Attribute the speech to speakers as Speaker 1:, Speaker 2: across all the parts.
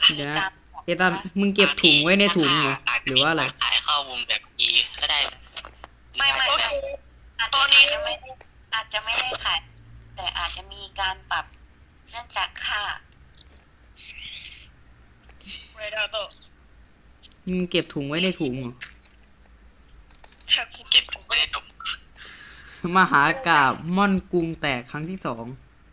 Speaker 1: เดี๋ยวนะ
Speaker 2: การ
Speaker 1: เอตันมึงเก็บถุงไว้ในถุงเหรอ
Speaker 3: อาจ
Speaker 1: หรือว่าอะไร
Speaker 3: จะมีการขายข้อมูลแบบนี้ก็ได้นะ
Speaker 2: ไม่ตอนนี้อาจจะไม่ได้ขายแต่อาจจะมีการปรับเนื่องจากค่า
Speaker 4: เรดาโตะ
Speaker 1: มึงเก็บถุงไว้ในถุงเหรอ
Speaker 4: ถ้ากู
Speaker 3: เก็บถุงไว้ในถุง
Speaker 1: มหากาพย์ม่อนกรุงแตกครั้งที่ 2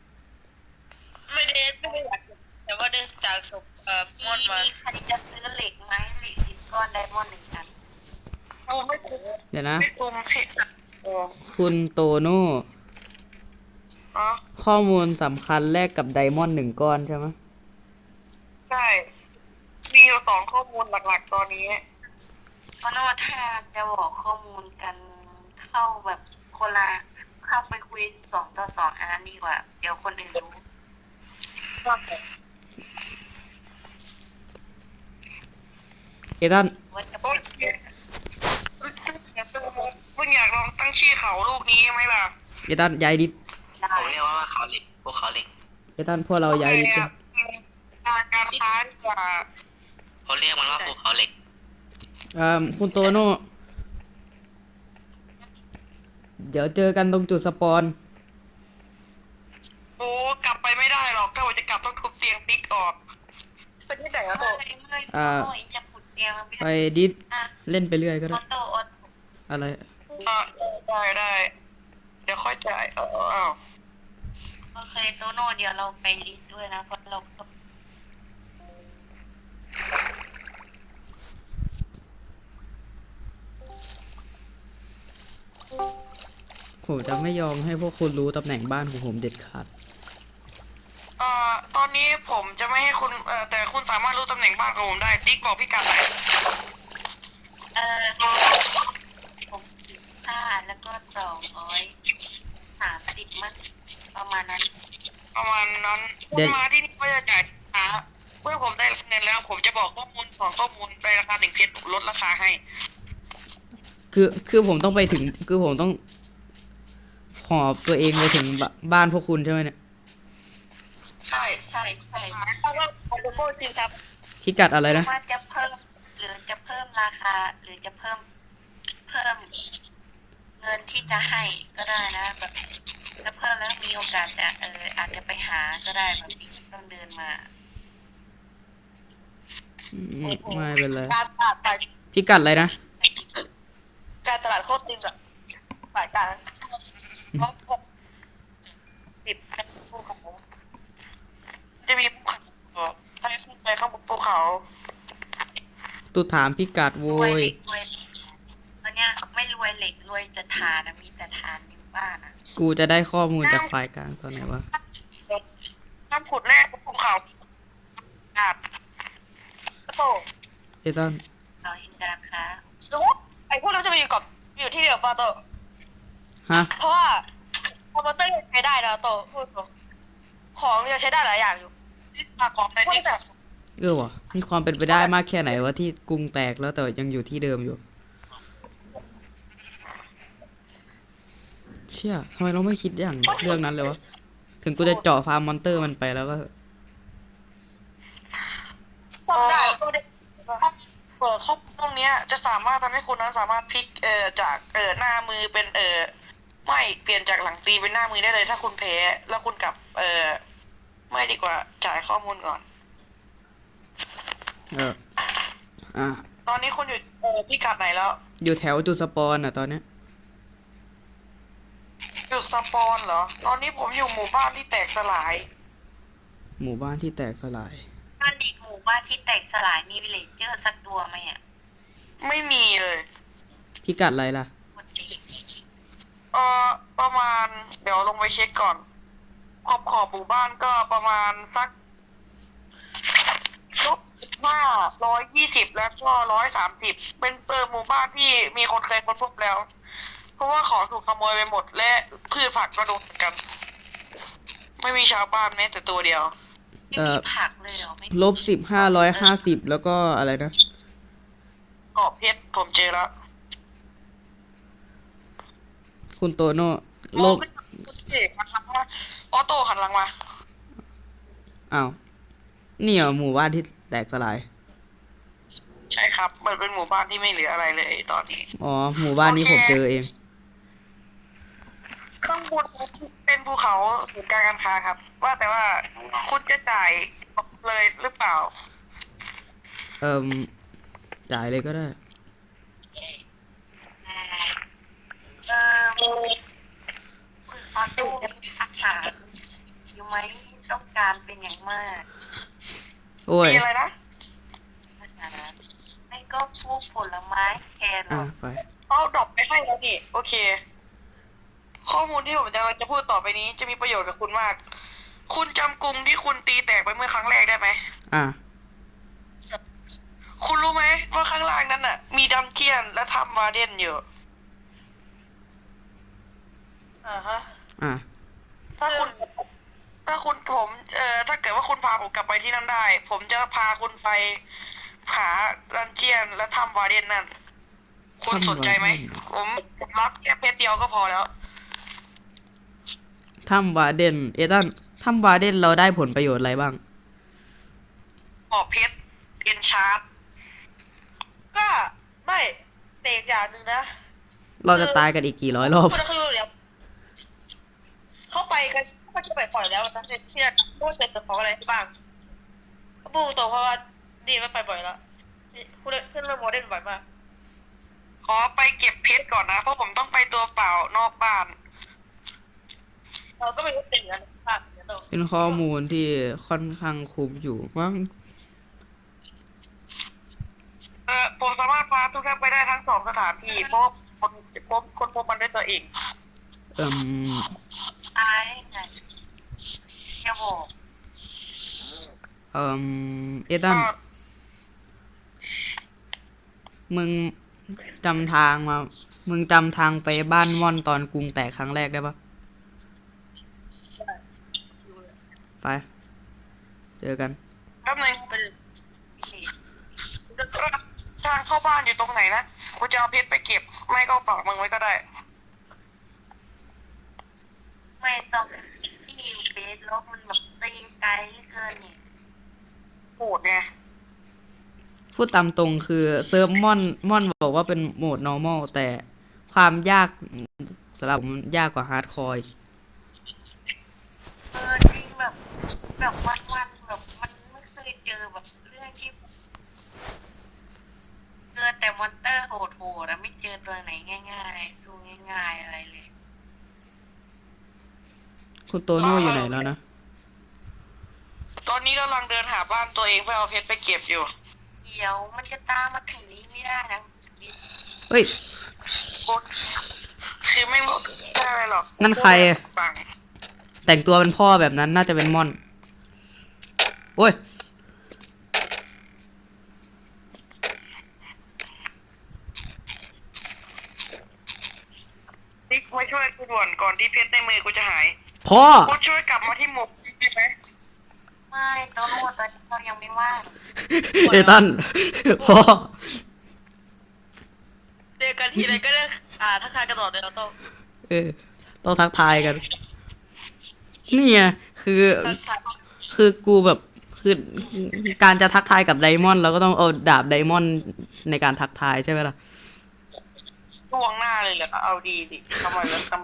Speaker 4: ไม่ได้อยากแต่ว่าได้จากศพม่อนมา
Speaker 2: มีใครจะซื้อเหล็กไหมเหล็กดิบก้อนไดมอนด์1 อัน
Speaker 4: กูไม่คุ้ม
Speaker 1: เดี๋ยวนะ
Speaker 4: ไม่คุ้มเพชรอ๋อ
Speaker 1: คุณโตโน่
Speaker 4: อ๋อ
Speaker 1: ข้อมูลสำคัญแลกกับไดมอนด์1 ก้อนใช่ไหม
Speaker 4: ใช่มีอยู่2 ข้อมูลหลักๆตอนนี้
Speaker 2: เพราะว่าถ้าจะบอกข้อมูลกันเข้าแบบคนละเข้าไปคุย2 ต่อ 2อันนั้นดีกว่าเดี๋ยวคนอื่นรู้
Speaker 1: เอตัน
Speaker 2: ว่าจะ
Speaker 4: โอ
Speaker 2: เปิด
Speaker 4: เคมึงอยากลองตั้งชื่อเขาลูกนี้ไหมล่ะ
Speaker 1: เอตันย้ายดิส
Speaker 2: ได้
Speaker 3: ผมเรียกว่าเขาเหล็กพวกเขาเหล็ก
Speaker 1: เอตันพวกเราย้ายดิสกัน
Speaker 4: การค้าดีกว่า
Speaker 3: เขาเรียกมันว่าพวกเขาเหล็ก
Speaker 1: คุณโตโน่เดี๋ยวเจอกันตรงจุดสปอน
Speaker 4: โอ้กลับไปไม่ได้หรอกถ้าว่าจะกลับต้องทุบเตียงติ๊กออกเป็นที่ไหนอะโต
Speaker 2: ไม่จะขุดเตียงมันไม่
Speaker 1: ไป
Speaker 2: ได้
Speaker 1: ดิส
Speaker 2: อ่ะ
Speaker 1: เล่นไปเรื่อยก็
Speaker 2: อ
Speaker 1: ได้
Speaker 4: อ
Speaker 1: อะไร
Speaker 4: ได้เดี๋ยวค่อยจ่ายอ้าว
Speaker 2: โอเคโตโน่เดี๋ยวเราไปลิสต์ด้วยนะเพราะเราก็
Speaker 1: ผมจะไม่ยอมให้พวกคุณรู้ตำแหน่งบ้านของผมเด็ดขาด
Speaker 4: ตอนนี้ผมจะไม่ให้คุณแต่คุณสามารถรู้ตำแหน่งบ้านของผมได้ติ๊กบอกพี่กัดหน่อย
Speaker 2: ผม15แล้วก็230มั้งประมาณนั้น
Speaker 4: ประมาณนั้นคุณมาที่นี่เพื่อจะจ่ายเมื่อผมได้รับเงินแล้ว ผมจะบอกข้อมูลในราคา1 เพชรลดราคาให้
Speaker 1: คือผมต้องไปถึง คือผมต้องหอบตัวเองไปถึงบ้านพวกคุณใช่ไหมเนี่ย
Speaker 4: ใช่
Speaker 2: ใช่
Speaker 4: เพราะว่าผมจะโก้ชิงทรัพย์
Speaker 1: พิกัดอะไรนะ
Speaker 2: ว่าจะเพิ่มหรือจะเพิ่มราคาหรือจะเพิ่มเงินที่จะให้ก็ได้นะแบบถ้าเพิ่มแล้วมีโอกาสจะอาจจะไปหาก็ได้แบบนี้ต้องเดินมา
Speaker 1: ไม่เป็นไร
Speaker 4: การตลาดฝ่าย
Speaker 1: พิกัดอะไรนะ
Speaker 4: การตลาดโคตรตินอะฝ่ายการเขาติดภูเขาจะมีภูเขาให้ขึ้นไปข้างบนภูเขา
Speaker 1: ตุถามพิกัดโว
Speaker 2: รวย
Speaker 1: ย
Speaker 2: รวยตอนเนี้ยไม่รวยเหล็กรวยจะทานนะมีแต่ทานอยู่บ้านนะ
Speaker 1: กูจะได้ข้อมูลจากฝ่ายกลางตอนไหนวะ
Speaker 4: ห้ามขุดแร่บนภูเขาอาบโต
Speaker 1: เอตัน
Speaker 2: เราเห็นราคา
Speaker 4: รู้ไอ้พวกเราจะมาอยู่ที่เดียวปะโต
Speaker 1: ฮะ
Speaker 4: เพราะว่าคอมพิวเตอร์ยังใช้ได้นะโตพูดตรงของยังใช้ได้หลายอย่างอยู่ของในที่แบบ
Speaker 1: วะมีความเป็นไปได้มากแค่ไหนวะที่กรุงแตกแล้วแต่ยังอยู่ที่เดิมอยู่ เชี่ยทำไมเราไม่คิดอย่างเรื่องนั้นเลยวะ ถึงกูจะเจาะฟาร์มมอนเตอร์มันไปแล้วก็
Speaker 4: ทำได้ข้อตรงเนี้ยจะสามารถทำให้คุณนั้นสามารถพลิกจากหน้ามือเป็นไม่เปลี่ยนจากหลังตีเป็นหน้ามือได้เลยถ้าคุณแพ้แล้วคุณกลับไม่ดีกว่าจ่ายข้อมูลก่อน
Speaker 1: อ่ะ
Speaker 4: ตอนนี้คุณอยู่พิกัดไหนแล้ว
Speaker 1: อยู่แถวจุดสปอนอ่ะตอนเนี้ย
Speaker 4: จุดสปอนเหรอ ตอนนี้ผมอยู่หมู่บ้านที่แตกสลาย
Speaker 1: หมู่บ้านที่แตกสลาย
Speaker 2: บ้านอีกหมู่บ้านที่แตกสลายมีวิลเลจเจอร์สักตัวไหมอ่ะ
Speaker 4: ไม่มีเลย
Speaker 1: พิกัดอะไรล่ะ
Speaker 2: คนดี
Speaker 4: ประมาณเดี๋ยวลงไปเช็คก่อนขอบหมู่บ้านก็ประมาณสัก120แล้วก็130เป็นหมู่บ้านที่มีคนเคยค้นพบแล้ว เพราะว่าของถูกขโมยไปหมดและพืชผักก็โดนเหมือนกัน ไม่มีชาวบ้านแม้แต่ตัวเดียว
Speaker 2: ไม่มีผักเลยเหรอไม่มี
Speaker 1: -550แล้วก็อะไรนะ
Speaker 4: เกาะเพชรผมเจอแล้ว
Speaker 1: คุณโตโน่โลก
Speaker 4: หันหลังมาออโต้หันหลังมา
Speaker 1: อ้าวนี่เหรอหมู่บ้านที่แตกสลาย
Speaker 4: ใช่ครับ มันเป็นหมู่บ้านที่ไม่เหลืออะไรเลยตอนนี้
Speaker 1: อ๋อ หมู่บ้านนี้
Speaker 4: โอเค
Speaker 1: ผมเจอเอง
Speaker 4: ข้างบนเป็นภูเขาศูนย์การค้าครับ ว่าแต่ว่าคุณจะจ่ายเลยหรือเปล่า
Speaker 1: เอิ่มจ่ายเลยก็ได้
Speaker 2: เออคุณออโต้มีอาหารอยู่ไหมต้องการเป็นอย่างมาก
Speaker 1: โอ้ย
Speaker 4: มีอะไรนะ
Speaker 2: อาหารไม่ก็พวกผลไม้แคร
Speaker 1: อ่ะ
Speaker 2: อท
Speaker 1: ไป
Speaker 4: เอาดรอปไปให้แล้วนี่โอเค ข้อมูลที่ผมจะพูดต่อไปนี้จะมีประโยชน์กับคุณมาก คุณจำกรุงที่คุณตีแตกไปเมื่อครั้งแรกได้ไหม
Speaker 1: อ่ะ
Speaker 4: คุณรู้ไหมว่าข้างล่างนั้นน่ะ มีดันเจียนและถ้ำวาเดนอยู่ฮะ
Speaker 1: อ่ะ
Speaker 4: ถ้าคุณผมถ้าเกิดว่าคุณพาผมกลับไปที่นั่นได้ ผมจะพาคุณไปหาดันเจียนและถ้ำวาเดนนั่น คุณสนใจไหม ผมรับแค่เพชรเดียวก็พอแล้ว
Speaker 1: ถ้ำวาเดน เอตันถ้ำวาเดนเราได้ผลประโยชน์อะไรบ้าง
Speaker 4: ออกเพชรเอ็นชาร์ดก็ไม่แต่อีกอย่างหนึ่งนะ
Speaker 1: เราจะตายกันอีกกี่ร้อยรอบ
Speaker 4: ก็คือเดี๋ยวเข้าไปกันก็จะไปปล่อยแล้วนะเชื่อว่าเจอของอะไรบ้างพูดตรงเพราะว่าดีไม่ไปบ่อยแล้วคุณเพื่อนเริ่มโมเดลบ่อยมากขอไปเก็บเพชรก่อนนะเพราะผมต้องไปตัวเปล่านอกบ้านเราก็ไม่รู้เป็นอย่างนั้นบ้างเดี๋ยวต้อง
Speaker 1: เป็นข้อมูลที่ค่อนข้างคุ้มอยู่มั้ง
Speaker 4: ผมสามารถพาทุกท่านไปได้ทั้งสองสถานที่เพราะคนพบมันด้วยตัวเอง
Speaker 1: เอิ่ม
Speaker 2: ตายไงจะบอก
Speaker 1: เอิ่มเอตันมึงจำทางมา มึงจำทางไปบ้านม่อนตอนกรุงแตกครั้งแรกได้ปะไป เจอกัน
Speaker 4: แป๊บนึงทางเข้าบ้านอยู่ตรงไหนนะกูจะเอาเพชรไปเก็บไม่ก็ฝากมึงไว้ก็ได้
Speaker 2: ไม่ซอมที่อยู่เบสแล้วมันแบบตีนไกลเหลือเกินนี่
Speaker 4: โหดไง
Speaker 1: พูดตามตรงคือเซิร์ฟม่อนบอกว่าเป็นโหมด normal แต่ความยากสำหรับผมยากกว่าฮาร์ดคอร์
Speaker 2: จริงแบบวันแบบมันไม่เคยเจอแบบเรื่องที่เจอแต่มอนเตอร์โหดๆแล้วไม่เจอตัวไหนง่ายๆสู้ง่ายๆอะไรเลย
Speaker 1: คุณโตโน่อยู่ไหนแล้วนะ
Speaker 4: ตอนนี้กำลังเดินหาบ้านตัวเองเพื่อเอาเพชรไปเก็บอยู่
Speaker 2: เดี๋ยวมันจะตามมาถึงนี้ไม่ได้นะ
Speaker 1: เฮ้ย
Speaker 4: คือไม่ได้อะไรหรอก
Speaker 1: นั่นใครอะ
Speaker 4: ฟัง
Speaker 1: แต่งตัวเป็นพ่อแบบนั้นน่าจะเป็นม่อน โอ้ย
Speaker 4: ติ๊กมาช่วยกูด่วนก่อนที่เพชรในมือกูจะหาย
Speaker 1: พ่อ
Speaker 4: กูช่วยกลับมาที่หมู่ได้ไหม
Speaker 2: ไม่ตัวโน้ตตอนนี้เรายังไม่ว่าง
Speaker 1: เอตัน พ่อ
Speaker 4: เจอกันทีไรก็ได้ทักทายกันตลอดเลยเราต้อง
Speaker 1: เออ ต้องทักทายกัน นี่ไงคือ
Speaker 4: ทักทาย
Speaker 1: คือกูแบบ คือการจะทักทายกับไดมอนด์เราก็ต้องเอาดาบไดมอนด์ในการทักทายใช่ไหมล่ะ
Speaker 4: ช่วงหน้าเลยเหรอเอาดีดิทำไมแล้วทำไม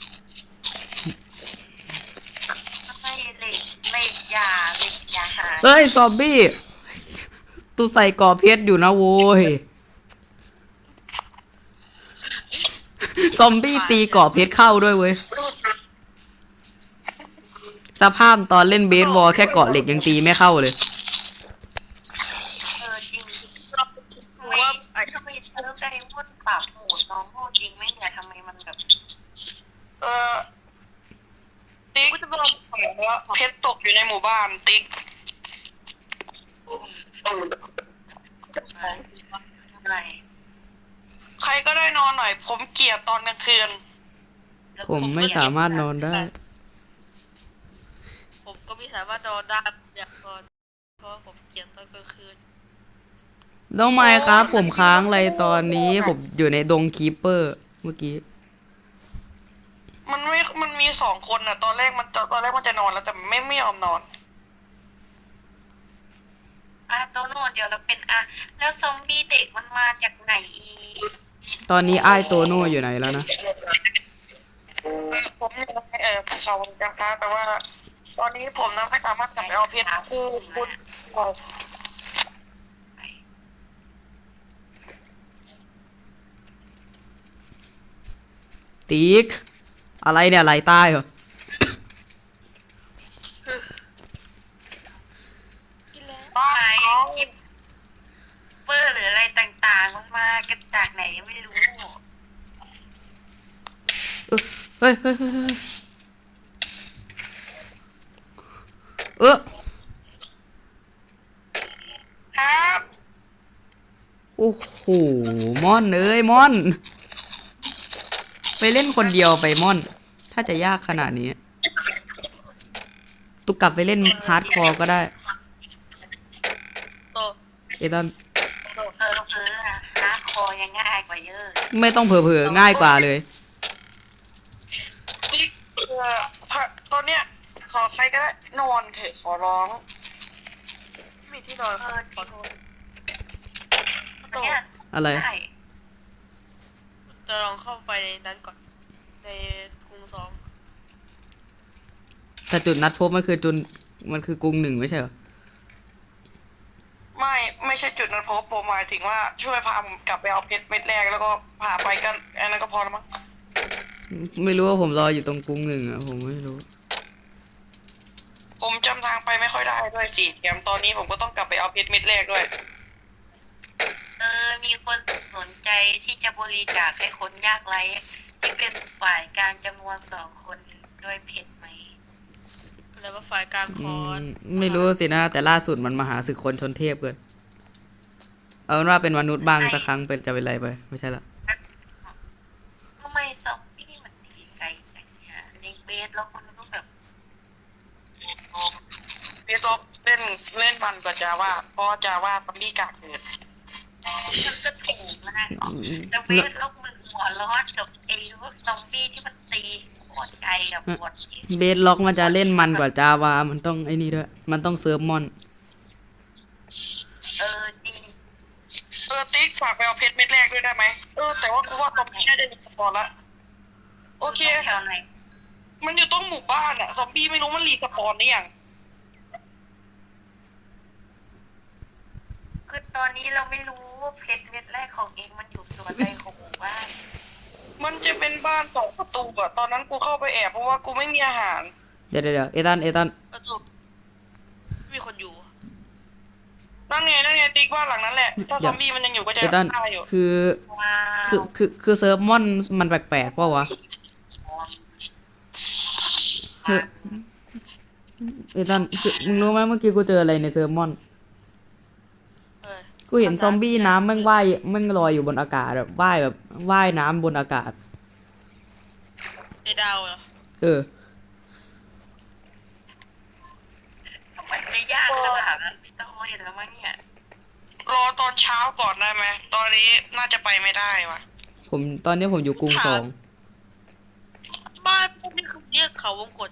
Speaker 2: ไม่เหล็กยาหา
Speaker 1: เฮ้ย ซอมบี้ตูใส่ก่อเพชรอยู่นะโว้ย ซอมบี้ตีก่อเพชรเข้าด้วยเว้ย สภาพตอนเล่นเบสบอลแค่เกาะเหล็กยังตีไม่เข้าเลย
Speaker 2: จริง
Speaker 4: กูว่า
Speaker 2: ทำไมเซิร์ฟไดมอนด์ปรับโหมดน้องโหดจริงไหมเนี่ยทำไมมันแบบ
Speaker 4: ติ๊กว่าเพชรตกอยู่ในหมู่บ้านติ๊ก
Speaker 2: อะไร
Speaker 4: ใครก็ได้นอนหน่อย ผมเกลียดตอนกลางคืน
Speaker 1: ผมไม่สามารถนอนได้
Speaker 4: ผมก็ไม่สามารถนอนได้อยากนอนเพราะผมเกลียดตอนกลางคืน
Speaker 1: แล้วไม่ครับ ผมค้างอะไรตอนนี้ ผมอยู่ในดงคีปเปอร์เมื่อกี้
Speaker 4: มันมี2 คนน่ะ ตอนแรกมันจะนอนแล้วแต่ไม่ยอมนอน
Speaker 2: โตโน่เดี๋ยวเราเป็นแล้วซอมบี้เด็กมันมาจากไหนอีก
Speaker 1: ตอนนี้อ้ายโตโน่อยู่ไหนแล้วนะ
Speaker 4: ผมอยู่ในภูเขาจำพาแต่ว่า ตอนนี้ผมนะไม่สามารถกลับไปเอาเพชรคือคุณ
Speaker 1: ติ๊ก อะไรเนี่ยไหลใต้เหรอ
Speaker 4: บ้า
Speaker 2: ไหน
Speaker 4: เขา
Speaker 2: คิปเปอร์หรืออะไรต่างๆมันมากันจากไหนไม่รู้
Speaker 1: เฮ้ยเฮ้ยเฮ้ยเฮ้ยเออ
Speaker 4: ครับ
Speaker 1: โอ้โหม่อนเอ้ยม่อน ไปเล่นคนเดียวไปม่อน ถ้าจะยากขนาดนี้ ตุกกลับไปเล่นฮาร์ดคอร์ก็ได้
Speaker 4: โต
Speaker 1: เอตัน
Speaker 2: ฮาร์ดคอร์ยังง่ายกว่าเยอะ
Speaker 1: ไม่ต้องเผลอๆง่ายกว่าเลย
Speaker 4: ติ๊กตอนเนี้ยขอใครก็ได้นอนเถอะขอร้องไม่มีที่นอนขอโทษ
Speaker 2: เนี่ย
Speaker 1: อะไร
Speaker 2: ได้
Speaker 5: จะลองเข้าไปในนั้นก่อน ในกรุงสอง
Speaker 1: แต่จุดนัดพบมันคือกรุงหนึ่งไม่ใช่เหรอ
Speaker 4: ไม่ใช่จุดนั้นผมหมายถึงว่าช่วยพาผมกลับไปเอาเพชรเม็ดแรกแล้วก็พาไปกันอันนั้นก็พอแล้วมั้ง
Speaker 1: ไม่รู้ว่าผมรออยู่ตรงกรุงหนึ่งอ่ะผมไม่รู้
Speaker 4: ผมจำทางไปไม่ค่อยได้ด้วยสิแถมตอนนี้ผมก็ต้องกลับไปเอาเพชรเม็ดแรกด้วย
Speaker 2: มีคนสนใจที่จะบริจาคให้คนยากไร้ที่เป็นฝ่ายการจำนวน2 คนด้วยเพชรไหม
Speaker 5: อะไรว่าฝ่ายกลางคอน
Speaker 1: ไม่รู้สินะ แต่ล่าสุดมันมาหาศึกคนชนเทพเกินเอาเป็นว่าเป็นมนุษย์บ้างสักครั้งเป็นจะเป็นไรไป ไม่ใช่ละ
Speaker 2: ทำไมซอมบี้มันหนีไกลจังเนี่ยในเบสแล้วคนก็แบบ
Speaker 4: พี่ซบเล่นมันกว่าจาว่าเพราะจาว่าซอมบี้กากเกิด
Speaker 2: มันก็ถูกนะแต่เบสแล้วมึงหัวร้อนกับไอ้พวกซอมบี้ที่มันตีโคตรไกลกับบทที่
Speaker 1: เบสล็อกมันจะเล่นมันกว่าจาวามันต้องไอ้นี่ด้วย มันต้องเซิร์ฟมอน
Speaker 2: จริง
Speaker 4: ติ๊กฝากไปเอาเพชรเม็ดแรกด้วยได้ไหมแต่ว่ากูว่าซอมบี้น่าจะมีสปอนละโอเค
Speaker 2: แถวไหน
Speaker 4: มันอยู่ตรงหมู่บ้านอะซอมบี้ไม่รู้มันรีสปอนหรือยัง
Speaker 2: คือตอนนี้เราไม่รู้ว่าเพชรเม็ดแรกของเองมันอยู่ส่วนใดของหมู่บ้าน
Speaker 4: มันจะเป็นบ้าน2 ประตูอะตอนนั้นกูเข้าไปแอบเพราะว่ากูไม่มีอาหาร
Speaker 1: เดี๋ยวเอตัน
Speaker 5: ประตูไม่มีคนอยู่
Speaker 4: นั่นไงติ๊กบ้านหลังนั้นแหละถ้าซอมบี้มันยังอยู่ก็จะ
Speaker 1: เอตัน
Speaker 4: ฆ่าอยู่
Speaker 1: คือ
Speaker 2: ว้าว
Speaker 1: คือเซิร์ฟมอนมันแปลกๆเปล่าวะคือเอตันคือมึงรู้ไหมเมื่อกี้กูเจออะไรในเซิร์ฟมอน
Speaker 5: เออ
Speaker 1: กูเห็นซอมบี้น้ำแม่งว่ายแม่งลอยอยู่บนอากาศแบบว่ายน้ำบนอากาศ
Speaker 5: ไอ้ดาวเหรอ
Speaker 1: เออ
Speaker 2: มันจะยากขนาดนั้นไม่ต้องเห็นแล้วมั้งเนี่ย
Speaker 4: รอตอนเช้าก่อนได้ไหมตอนนี้น่าจะไปไม่ได้ว่ะ
Speaker 1: ตอนนี้ผมอยู่กรุงสอง
Speaker 5: บ้านพวกนี้คือเรียกเขาวงกฏ